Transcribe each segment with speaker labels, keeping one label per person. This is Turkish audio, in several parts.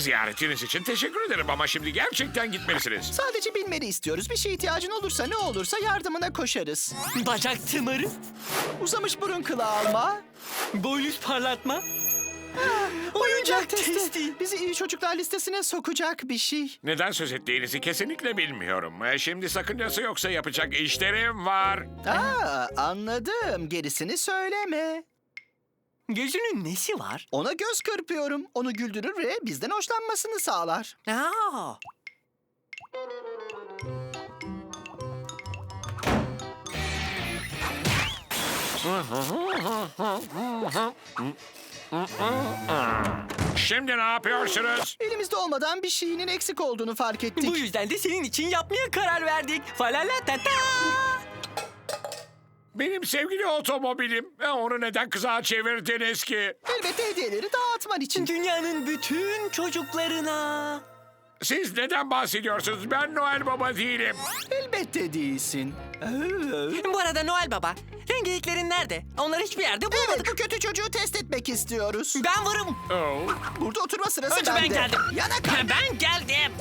Speaker 1: Ziyaretiniz için teşekkür ederim ama şimdi gerçekten gitmelisiniz.
Speaker 2: Sadece bilmeni istiyoruz. Bir şeye ihtiyacın olursa ne olursa yardımına koşarız.
Speaker 3: Bacak tımırı,
Speaker 2: Uzamış burun kılı alma.
Speaker 3: boynuz parlatma, oyuncak testi.
Speaker 2: Bizi iyi çocuklar listesine sokacak bir şey.
Speaker 1: Neden söz ettiğinizi kesinlikle bilmiyorum. Şimdi sakıncası yoksa yapacak işlerim var.
Speaker 2: Anladım. Gerisini söyleme.
Speaker 3: Gözünün nesi var?
Speaker 2: Ona göz kırpıyorum. Onu güldürür ve bizden hoşlanmasını sağlar.
Speaker 3: Aa,
Speaker 1: Şimdi ne yapıyorsunuz?
Speaker 2: Elimizde olmadan bir şeyinin eksik olduğunu fark ettik.
Speaker 3: bu yüzden de senin için yapmaya karar verdik. Falalatata.
Speaker 1: Benim sevgili otomobilim. Onu neden kızağa çevirdiniz ki?
Speaker 2: Elbette hediyeleri dağıtman için.
Speaker 3: Dünyanın bütün çocuklarına.
Speaker 1: Siz neden bahsediyorsunuz? Ben Noel Baba değilim.
Speaker 2: Elbette değilsin.
Speaker 3: Bu arada Noel Baba, rengeliklerin nerede? Onları hiçbir yerde
Speaker 2: Evet,
Speaker 3: bulmadık.
Speaker 2: bu kötü çocuğu test etmek istiyoruz.
Speaker 3: Ben varım.
Speaker 1: Oh.
Speaker 2: Burada oturma sırası
Speaker 3: Önce ben
Speaker 2: bende.
Speaker 3: geldim.
Speaker 2: Yana kal.
Speaker 3: Ben geldim.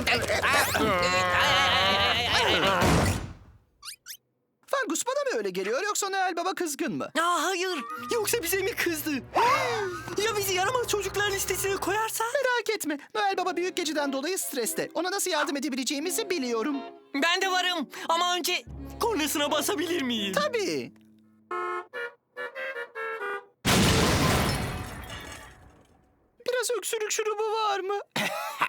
Speaker 2: Fangus bana mı öyle geliyor yoksa Noel Baba kızgın mı?
Speaker 3: Aa, hayır. Yoksa bize mi kızdı? Ya bizi yaramaz çocuklar listesine koyarsa?
Speaker 2: Merak etme. Noel Baba büyük geceden dolayı streste. Ona nasıl yardım edebileceğimizi biliyorum.
Speaker 3: Ben de varım. Ama önce kornasına basabilir miyim?
Speaker 2: Tabii. Biraz öksürük şurubu var mı?